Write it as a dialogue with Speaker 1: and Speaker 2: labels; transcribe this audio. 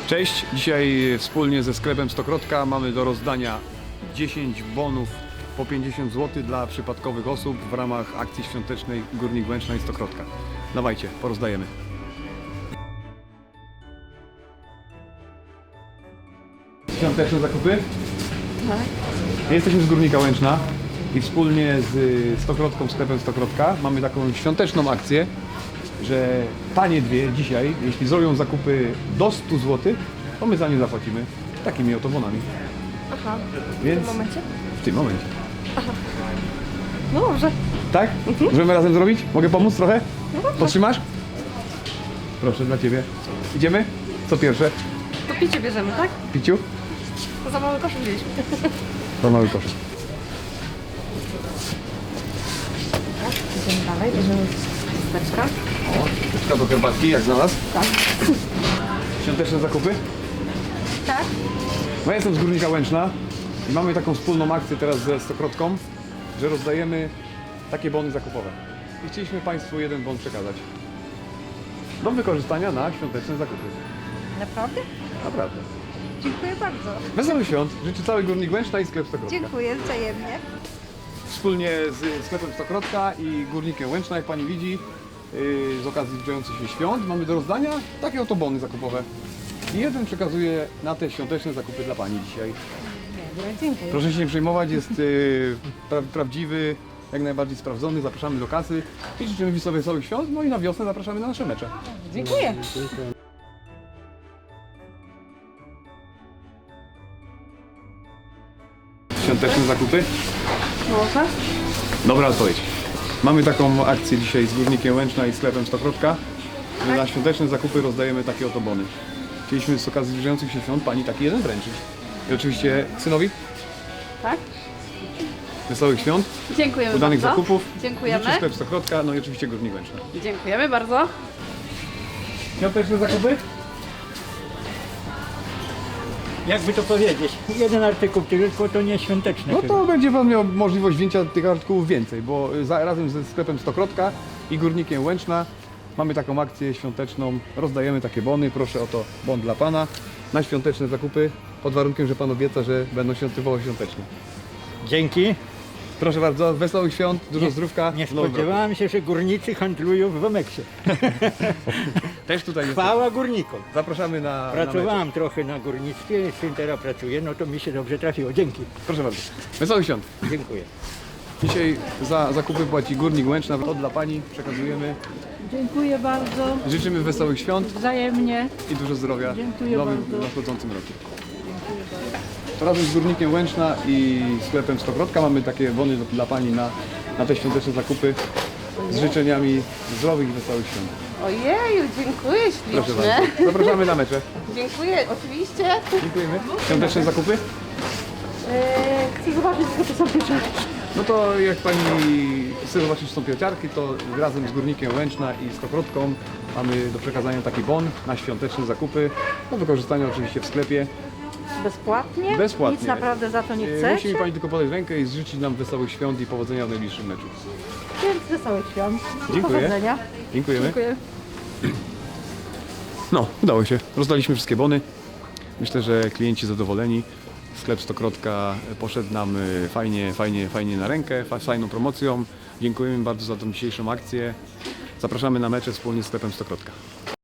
Speaker 1: Cześć, dzisiaj wspólnie ze sklepem Stokrotka mamy do rozdania 10 bonów po 50 zł dla przypadkowych osób w ramach akcji świątecznej Górnik Łęczna i Stokrotka. Dawajcie, porozdajemy. Świąteczne zakupy?
Speaker 2: Tak.
Speaker 1: Jesteśmy z Górnika Łęczna i wspólnie z Stokrotką, sklepem Stokrotka mamy taką świąteczną akcję, że panie dwie dzisiaj, jeśli zrobią zakupy do 100 zł, to my za nie zapłacimy takimi oto bonami.
Speaker 2: Aha,
Speaker 1: Więc
Speaker 2: w tym momencie?
Speaker 1: w tym momencie.
Speaker 2: No dobrze.
Speaker 1: Tak? Możemy razem zrobić? Mogę pomóc trochę? Podtrzymasz? Proszę, dla ciebie. Idziemy? Co pierwsze?
Speaker 2: To picie bierzemy, tak?
Speaker 1: Piciu?
Speaker 2: To za mały koszyk wzięliśmy.
Speaker 1: To mały koszyk.
Speaker 2: Idziemy dalej, bierzemy chusteczkę.
Speaker 1: O, chusteczka do herbatki, jak znalazł?
Speaker 2: Tak.
Speaker 1: Świąteczne zakupy?
Speaker 2: Tak?
Speaker 1: No ja jestem z Górnika Łęczna i mamy taką wspólną akcję teraz ze Stokrotką, że rozdajemy takie bony zakupowe. I chcieliśmy Państwu jeden bon przekazać. Do wykorzystania na świąteczne zakupy.
Speaker 2: Naprawdę?
Speaker 1: Naprawdę.
Speaker 2: Dziękuję bardzo.
Speaker 1: Wesołych świąt życzy cały Górnik Łęczna i sklep Stokrotka.
Speaker 2: Dziękuję wzajemnie.
Speaker 1: Wspólnie z sklepem Stokrotka i Górnikiem Łęczna, jak Pani widzi, z okazji zbliżających się świąt mamy do rozdania takie oto bony zakupowe. I jeden przekazuję na te świąteczne zakupy dla Pani dzisiaj.
Speaker 2: Dobra, dziękuję.
Speaker 1: Proszę się nie przejmować, jest prawdziwy, jak najbardziej sprawdzony. Zapraszamy do kasy i życzymy wesołych świąt. No i na wiosnę zapraszamy na nasze mecze.
Speaker 2: Dziękuję.
Speaker 1: Świąteczne zakupy?
Speaker 2: Może?
Speaker 1: Dobra odpowiedź. Mamy taką akcję dzisiaj z Górnikiem Łęczna i sklepem Stokrotka, że na świąteczne zakupy rozdajemy takie oto bony. Chcieliśmy z okazji zbliżających się świąt Pani taki jeden wręczyć. I oczywiście synowi
Speaker 2: Tak?
Speaker 1: wesołych świąt,
Speaker 2: Dziękujemy
Speaker 1: udanych
Speaker 2: bardzo.
Speaker 1: zakupów.
Speaker 2: Dziękujemy.
Speaker 1: Życzy sklep Stokrotka, no i oczywiście Górnik Łęczna.
Speaker 2: Dziękujemy bardzo.
Speaker 1: Świąteczne zakupy?
Speaker 3: Jakby to powiedzieć, jeden artykuł tylko to nie świąteczne.
Speaker 1: No
Speaker 3: chyba.
Speaker 1: to będzie Pan miał możliwość wzięcia tych artykułów więcej, bo razem ze sklepem Stokrotka i Górnikiem Łęczna mamy taką akcję świąteczną. Rozdajemy takie bony. Proszę o to bon dla Pana na świąteczne zakupy, pod warunkiem, że Pan obieca, że będą się odbywały świątecznie.
Speaker 3: Dzięki.
Speaker 1: Proszę bardzo, wesołych świąt, dużo zdrówka.
Speaker 3: Nie
Speaker 1: w nowym roku.
Speaker 3: spodziewałem się, że górnicy handlują w Wameksie.
Speaker 1: Też tutaj jest.
Speaker 3: Chwała górnikom.
Speaker 1: Zapraszamy na
Speaker 3: Pracowałem trochę na górnictwie, syn teraz pracuje, no to mi się dobrze trafiło. Dzięki.
Speaker 1: Proszę bardzo. Wesołych świąt.
Speaker 3: Dziękuję.
Speaker 1: Dzisiaj za zakupy płaci Górnik Łęczna. To dla Pani przekazujemy.
Speaker 4: Dziękuję bardzo,
Speaker 1: Życzymy wesołych świąt
Speaker 4: wzajemnie.
Speaker 1: i dużo zdrowia
Speaker 4: Dziękuję
Speaker 1: w nowym,
Speaker 4: bardzo.
Speaker 1: nadchodzącym roku. To razem z Górnikiem Łęczna i sklepem Stokrotka mamy takie bony dla Pani na te świąteczne zakupy z życzeniami zdrowych i wesołych świąt.
Speaker 2: Ojeju, dziękuję
Speaker 1: Proszę
Speaker 2: ślicznie.
Speaker 1: bardzo. Zapraszamy na mecze.
Speaker 2: Dziękuję, oczywiście.
Speaker 1: Dziękujemy. Świąteczne zakupy?
Speaker 2: Chcę zobaczyć, co to są pieczarki.
Speaker 1: No to jak Pani chce zobaczyć są piociarki, to razem z Górnikiem Łęczna i Stokrotką mamy do przekazania taki bon na świąteczne zakupy. Do wykorzystania oczywiście w sklepie.
Speaker 4: Bezpłatnie?
Speaker 1: Bezpłatnie.
Speaker 4: Nic naprawdę za to nie
Speaker 1: Musi
Speaker 4: chcecie?
Speaker 1: mi Pani tylko podać rękę i życzyć nam wesołych świąt i powodzenia w najbliższym meczu.
Speaker 4: Więc wesołych świąt.
Speaker 1: Dziękuję.
Speaker 4: Powodzenia.
Speaker 1: Dziękujemy.
Speaker 2: Dziękuję.
Speaker 1: No, udało się. Rozdaliśmy wszystkie bony. Myślę, że klienci zadowoleni. Sklep Stokrotka poszedł nam fajnie na rękę, fajną promocją. Dziękujemy bardzo za tą dzisiejszą akcję. Zapraszamy na mecze wspólnie z sklepem Stokrotka.